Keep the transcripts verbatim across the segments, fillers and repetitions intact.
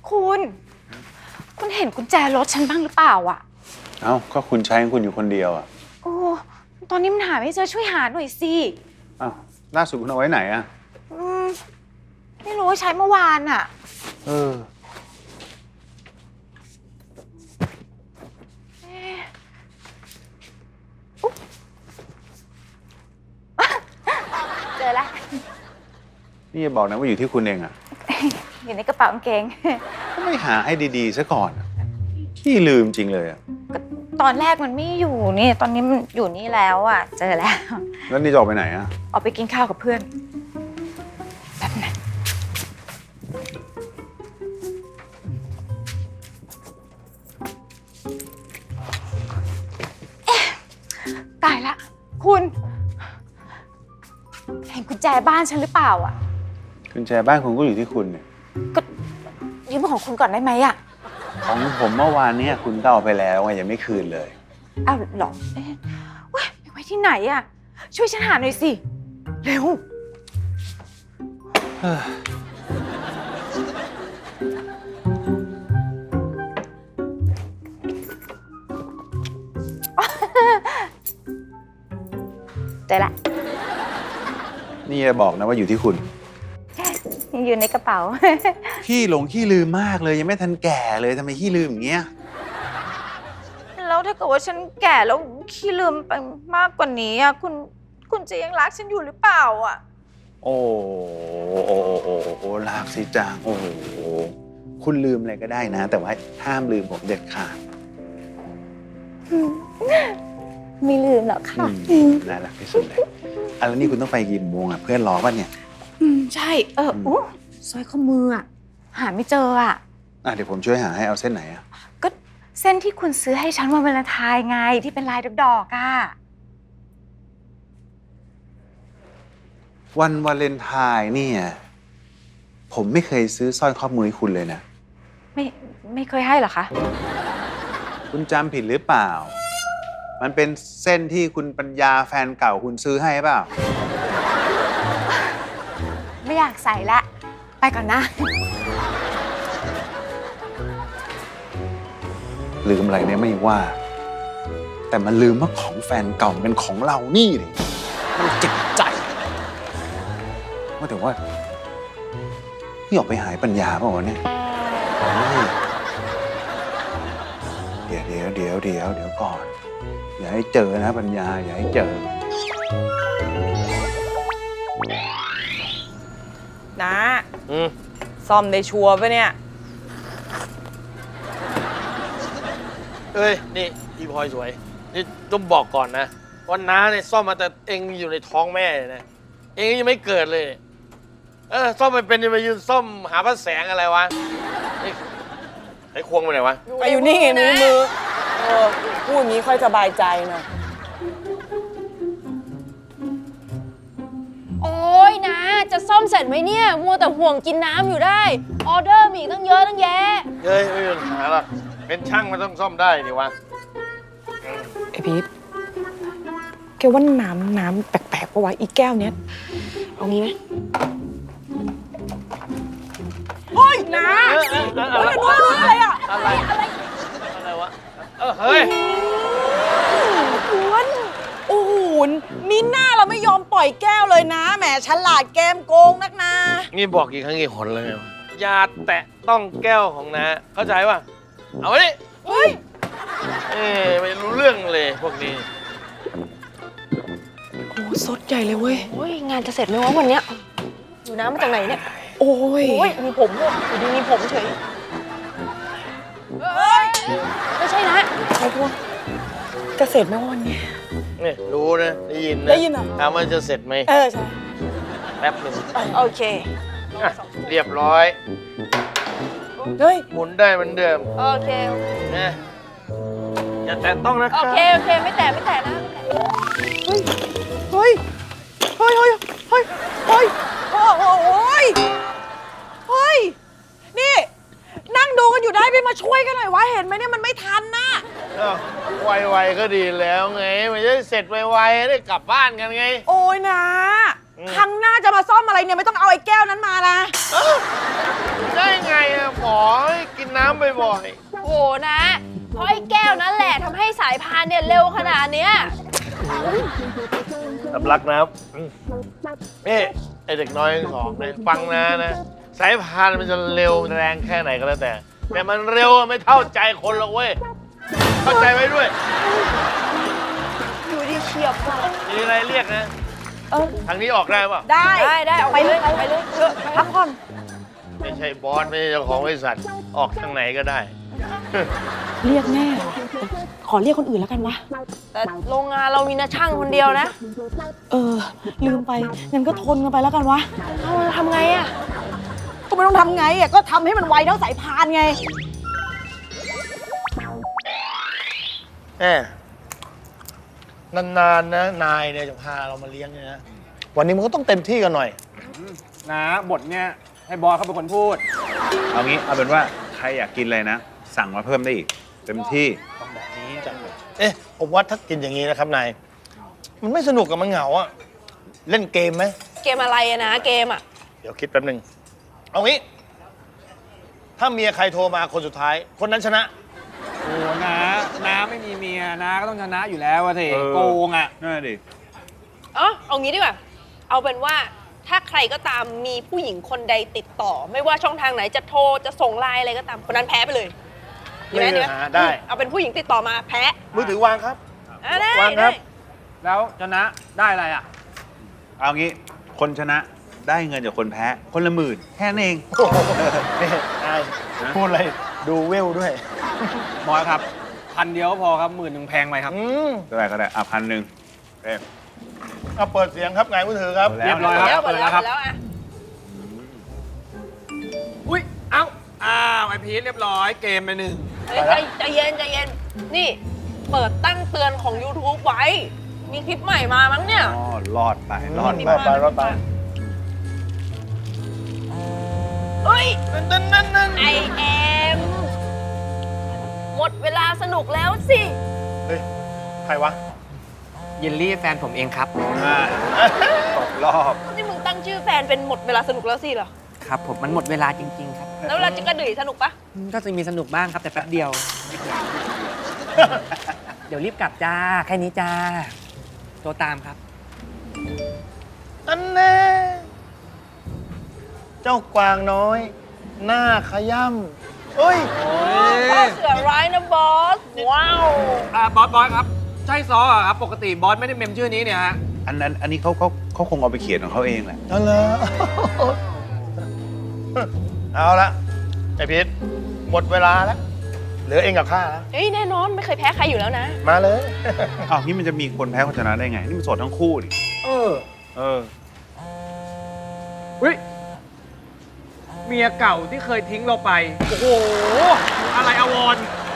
คุณ คุณเห็นกุญแจรถฉันบ้างหรือเปล่าอ่ะเอ้าก็คุณใช้ของคุณอยู่คนเดียวอ่ะโอ้ตอนนี้มันหาไม่เจอช่วยหาหน่อยสิอ้าวล่าสุดคุณเอาไว้ไหนอ่ะอืมไม่รู้ว่าใช้เมื่อวานอ่ะเออเจอแล้วนี่จะบอกนะว่าอยู่ที่คุณเองอ่ะอยู่ในกระเป๋ากางเกงก็ไม่หาให้ดีๆซะก่อนขี้ลืมจริงเลยอ่ะตอนแรกมันไม่อยู่นี่ตอนนี้มันอยู่นี่แล้วอ่ะเจอแล้วแล้วนี่จะออกไปไหนอ่ะออกไปกินข้าวกับเพื่อนแบบไหนตายละคุณเห็นกุญแจบ้านฉันหรือเปล่าอ่ะกุญแจบ้านคุณก็อยู่ที่คุณเนี่ยก็ยืมของคุณก่อนได้ไหมอ่ะของผมเมื่อวานเนี่ยคุณก็เอาไปแล้วไงยังไม่คืนเลยอ้าวหรอเอ๊ะว้ยไปไว้ที่ไหนอ่ะช่วยฉันหาหน่อยสิเร็วเจอละนี่จะบอกนะว่าอยู่ที่คุณยังอยู่ในกระเป๋าขี้หลงขี้ลืมมากเลยยังไม่ทันแก่เลยทำไมขี้ลืมอย่างเงี้ยแล้วถ้าเกิดว่าฉันแก่แล้วขี้ลืมไปมากกว่านี้อ่ะคุณคุณจะยังรักฉันอยู่หรือเปล่าอ่ะโอ้โอ้โอ้โอ้โอ้รักสิจังโอ้โหคุณลืมอะไรก็ได้นะแต่ว่าห้ามลืมผมเด็ดขาดไม่ลืมหรอกค่ะน่ารักที่สุดเลยอ่ะแล้วนี่คุณต้องไปกี่โมงอ่ะเพื่อนรอป่ะเนี่ยอืมใช่เออโอ้สร้อยข้อมืออ่ะหาไม่เจออ่ะอ่ะเดี๋ยวผมช่วยหาให้เอาเส้นไหนอ่ะก็เส้นที่คุณซื้อให้ฉันวันวาเลนไทน์ไงที่เป็นลายดอกๆอ่ะวันวาเลนไทน์เนี่ยผมไม่เคยซื้อสร้อยข้อมือให้คุณเลยนะไม่ไม่เคยให้หรอคะคุณจำผิดหรือเปล่ามันเป็นเส้นที่คุณปัญญาแฟนเก่าคุณซื้อให้เปล่าไม่อยากใส่ละไปก่อนนะลืมอะไรเนี่ยไม่ว่าแต่มันลืมว่าของแฟนเก่าเป็นของเรานี่เลยมันเจ็บใจว่าแต่ว่านี่ออกไปหายปัญญาเปล่าวะเนี่ยเดี๋ยวเดี๋ยวเดี๋ยวเดี๋ยวเดี๋ยวก่อนอย่าให้เจอนะปัญญาอย่าให้เจอนะซ่อมได้ชัวร์ปะเนี่ยเอ้ยนี่พี่พลอยสวยนี่ต้องบอกก่อนนะว่าน้าเนี่ยซ่อมมาแต่เองอยู่ในท้องแม่เลยนะเองยังไม่เกิดเลยเออซ่อมไม่เป็นจะมายืนซ่อมหาพระแสงอะไรวะนี่ไอ้ควงไปไหนวะไปอยู่นี่ไงมือมือเออพูดอย่างนี้ค่อยสบายใจหน่อยโอ้ยนะจะซ่อมเสร็จไหมเนี่ยมัวแต่ห่วงกินน้ำอยู่ได้ออเดอร์มีตั้งเยอะตั้งแยะเฮ้ยไม่มีปัญหาหรอกเป็นช่างมันต้องซ่อมได้ดิวะไอพีทแกว่าน้ำน้ำแปลกๆปะวะอีแก้วเนี้ยเอางี้ไหมเฮ้ยนะอะไรวะอะไรอะอะไรอะไรวะเออเฮ้ยอ้วนโอ้โหมีหน้าเราไม่ยอมปล่อยแก้วเลยนะแหมฉลาดแกมโกงนักนานี่บอกกี่ครั้งกี่หนเลยไงวะอย่าแตะต้องแก้วของน้าเข้าใจป่ะเอาไว้ดิเฮ้ยเอ้ไม่รู้เรื่องเลยพวกนี้โอ้สดใหญ่เลยเว้ยโอ้ยงานจะเสร็จไหมวะวันเนี้ยอยู่น้ำมาจากไหนเนี่ยโอ้ยโอ้ยมีผมด้วยอยู่ดีมีผมเฉยเฮ้ยไม่ใช่นะไอ้พวกจะเสร็จไหมวันนี้นี่รู้นะได้ยินนะได้ยินเหรอถามว่าจะเสร็จไหมเออใช่แป๊บหนึ่งโอเคเรียบร้อยเฮ้ยหมุนได้เหมือนเดิมโอเคนะอย่าแตะต้องนะโอเคโอเคไม่แตะไม่แตะนะเฮ้ยเฮ้ยเฮ้ยเฮ้ยเฮ้ยเฮ้ยโอ้โหเฮ้ยนี่นั่งดูกันอยู่ได้ไปมาช่วยกันหน่อยวะเห็นไหมเนี่ยมันไม่ทันนะไวๆก็ดีแล้วไงมันจะเสร็จไวๆได้กลับบ้านกันไงโอ้ยนะครั้งหน้าจะมาซ่อมอะไรเนี่ยไม่ต้องเอาไอ้แก้วนั้นมานะได้ไงอะหมอให้กินน้ำบ่อยโอ้นะ เพราะไอ้แก้วนั่นแหละทำให้สายพานเนี่ยเร็วขนาดเนี้ยๆสำลักน้ำอืมนี่ไอเด็กน้อยทั้งสองเนี่ยฟังนะนะสายพานมันจะเร็วแรงแค่ไหนก็แล้วแต่ แต่มันเร็วไม่เท่าใจคนหรอกเว้ยเข้าใจไว้ด้วยอยู่ดีเฉียบว่ะมีอะไรเรียกนะเออทางนี้ออกได้ป่ะได้ได้ได้เอาไปเลยเอาไปเลยเออพักผ่อนไม่ใช่บอสไม่ใช่เจ้าของบริษัทออกทางไหนก็ได้เรียกแม่เหรอขอเรียกคนอื่นแล้วกันวะแต่โรงงานเรามีนาช่างคนเดียวนะเออ ลืมไปงั้นก็ทนกันไปแล้วกันวะเอาเราทำไงอะก็ไม่ต้องทำไงอ่ะก็ทำให้มันไวเท่าสายพานไงแหมนานๆนะนายเนี่ยจะพาเรามาเลี้ยงเนี่ยนะวันนี้มันก็ต้องเต็มที่กันหน่อยนะบทเนี่ยให้บอสเขาเป็นคนพูดเอางี้เอาเป็นว่าใครอยากกินอะไรนะ สั่งมาเพิ่มได้อีก เต็มที่ต้องแบบนี้เอ๊ะผมว่าถ้ากินอย่างนี้นะครับนายมันไม่สนุกกับมันเหงาอะเล่นเกมไหมเกมอะไรอะนะเกมอะเดี๋ยวคิดแป๊บหนึ่งเอางี้ ถ้าเมียใครโทรมาคนสุดท้าย คนนั้นชนะโอ้นะน้าไม่มีเมียนะก็ต้องชนะอยู่แล้วอะสิเออโกงอ่ะนั่นนะดิอ๋อเอางี้ดีกว่า เอาเป็นว่าถ้าใครก็ตามมีผู้หญิงคนใดติดต่อ ไม่ว่าช่องทางไหนจะโทรจะส่งไลน์อะไรก็ตามคนนั้นแพ้ไปเลยดีไหมไม่มีดีไหมปัญหาได้เอาเป็นผู้หญิงติดต่อมาแพ้มือถือวางครับอ่ะได้วางคได้รับแล้วชนะได้อะไรอ่ะเอางี้คนชนะได้เงินจากคนแพ้ คนละหมื่นแค่นั้นเองโอ้โหนี่นายพูดอะไรดูเวลด้วยบอสครับพันเดียวก็พอครับหมื่นหนึ่งแพงไปครับอืมก็ได้ก็ได้อ่ะพันหนึ่งเอ๊ะเอาเปิดเสียงครับไงมือถือครับเอาแล้วเรียบร้อยหมดแล้วหมดแล้วหมดแล้วอ่ะอุ้ยเอ้าอ้าวไอพีชเรียบร้อยเกมไปหนึ่งเฮ้ยใจใจเย็นใจเย็น นี่ เปิดตั้งเตือนของ YouTube ไว้ มีคลิปใหม่มามั้งเนี่ยอ๋อรอดไปรอดรไปอดไปรอดไปเฮ้ยนั่นนั่นนั่นนั่นไอเอ็มหมดเวลาสนุกแล้วสิเฮ้ยใครวะเยลลี่แฟนผมเองครับอ่าตกรอบนี่มึงตั้งชื่อแฟนเป็นหมดเวลาสนุกแล้วสิเหรอครับผมมันหมดเวลาจริง ๆ ครับแล้วเวลาจะกระดือยสนุกปะก็จะมีสนุกบ้างครับแต่แป๊บเดียว เดี๋ยวรีบกลับจ้า แค่นี้จ้าโทรตามครับนั่นแน่เจ้ากวางน้อย หน้าขย่ำเฮ้ยพ่อเสือร้ายนะบอส ว้าวอ่าบอสบอสครับ ใช่ซออ่ะครับ ปกติบอสไม่ได้เมมชื่อนี้เนี่ยฮะอันนั้นอันนี้เขาเขาเขาคงเอาไปเขียนของเขาเองแหละนั่นเลย เอาละไอพีทหมดเวลาแล้ว เหลือเองกับข้าแล้วเฮ้ย แน่นอนไม่เคยแพ้ใครอยู่แล้วนะมาเลยอ้าวนี่มันจะมีคนแพ้คนชนะได้ไง นี่มันโสดทั้งคู่ดิเออเออเฮ้ย เมียเก่าที่เคยทิ้งเราไป โอ้โห อะไรอวร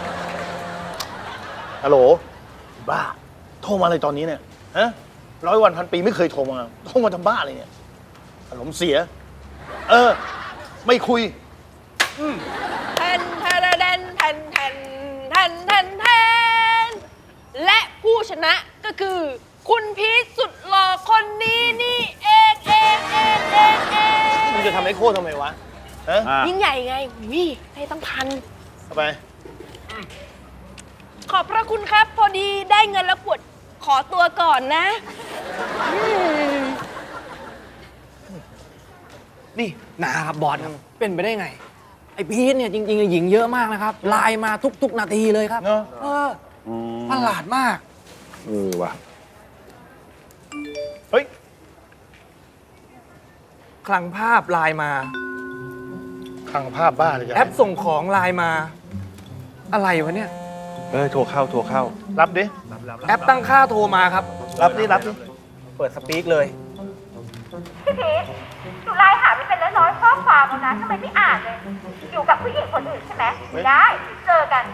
ฮัลโหล บ้า โทรมาอะไรตอนนี้เนี่ย ฮะ ร้อยวันพันปีไม่เคยโทรมา โทรมาทำบ้าอะไรเนี่ย อารมณ์เสีย เออ ไม่คุยแทนแทนแทนแทนแทนแทนแทนแทนและผู้ชนะก็คือ คุณพีชสุดหล่อคนนี้นี่เองเองเองเองเองมึงจะทำให้โค้ทำไมวะ ฮะอ่ะยิ่งใหญ่ไงวิให้ตั้งพันเอาไปขอบพระคุณครับ พอดีได้เงินแล้วปวดขอตัวก่อนนะอืมนี่นะครับบอสครับ เป็นไปได้ไง ไอพีทเนี่ยจริงๆหญิงเยอะมากนะครับ ไลน์มาทุก ๆ นาทีเลยครับเนอะเอออืมประหลาดมากเออว่ะเฮ้ยคลังภาพไลน์มาขังภาพบ้าเลยจ้ะแอปส่งของไลน์มา อะไรวะเนี่ยเออโทรเข้าโทรเข้ารับดิแอปตั้งค่าโทรมาครับรับดิ รับดิเปิดสปีกเลยพี่พีชหนูไลน์หาไปเป็นร้อยๆข้อความแล้วนะทำไมไม่อ่านเลย อยู่กับผู้หญิงคนอื่นใช่ไหมไม่ได้ เจอกัน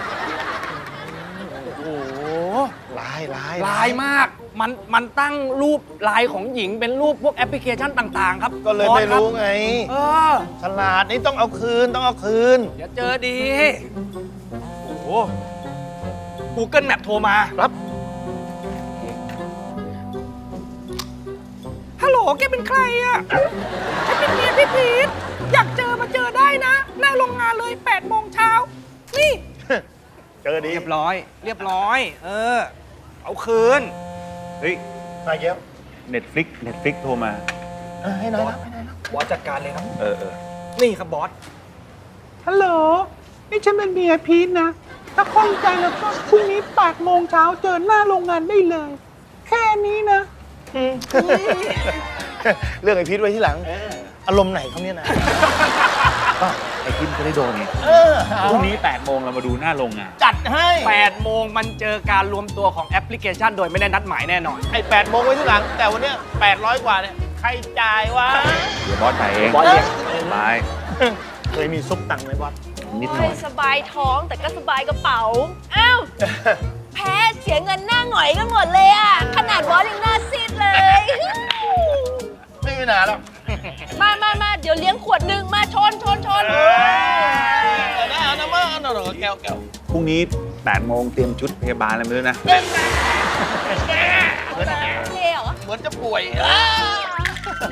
โอ้โหลายลายไลน์มาก มัน มันตั้งรูปไลน์ของหญิงเป็นรูปพวกแอปพลิเคชันต่างๆ ครับก็เลยบอสไม่คบรู้ไงเออฉลาดนี่ต้องเอาคืน ต้องเอาคืนเดี๋ยวเจอดี โอ้โห Google Map โทรมารับฮัลโหลแกเป็นใครอะฉันเป็นเมียพี่พีทอยากเจอมาเจอได้นะ หน้าโรงงานเลยแปดโมงเช้า นี่เจอดีเรียบร้อย เรียบร้อย เออ เอาคืนเฮ้ยนายเกี้ยวเน็ตฟลิกเน็ตฟลิกโทรมาให้น้อยรับให้น้อยรับบอสจัดการเลยครับเออเออนี่ครับบอสฮัลโหล นี่ฉันเป็นเมียพีทนะ ถ้าคล่องใจแล้วก็พรุ่งนี้แปดโมงเช้าเจอหน้าโรงงานได้เลย แค่นี้นะเรื่องไอพีทไว้ที่หลัง อารมณ์ไหนเขาเนี่ยนะก็ไอพีทจะได้โดนไงพรุ่งนี้แปดโมงเรามาดูหน้าโรงงานจัดให้แปดโมงมันเจอการรวมตัวของแอปพลิเคชันโดยไม่ได้นัดหมายแน่นอนไอ้แปดโมงไว้ที่หลัง แต่วันเนี้ยแปดร้อยกว่าเนี่ย ใครจ่ายวะเดี๋ยวบอสจ่ายเองบอสเลี้ยงบาย เคยมีซุปตังค์ไหมบอส นิดหน่อยสบายท้องแต่ก็สบายกระเป๋า อ้าว แพ้เสียเงินหน้าหงอยกันหมดเลยอ่ะ ขนาดบอสยังหน้าซีดเลยไม่มีปัญหาหรอกมามามาเดี๋ยวเลี้ยงขวดหนึ่งมาชนชนชนเอานะเอานะมาเอาหน่อยแก้วแก้วพรุ่งนี้แปดโมงเตรียมชุดพยาบาลอะไรมาด้วยนะเท่เหรอเหมือนจะป่วยอ้าว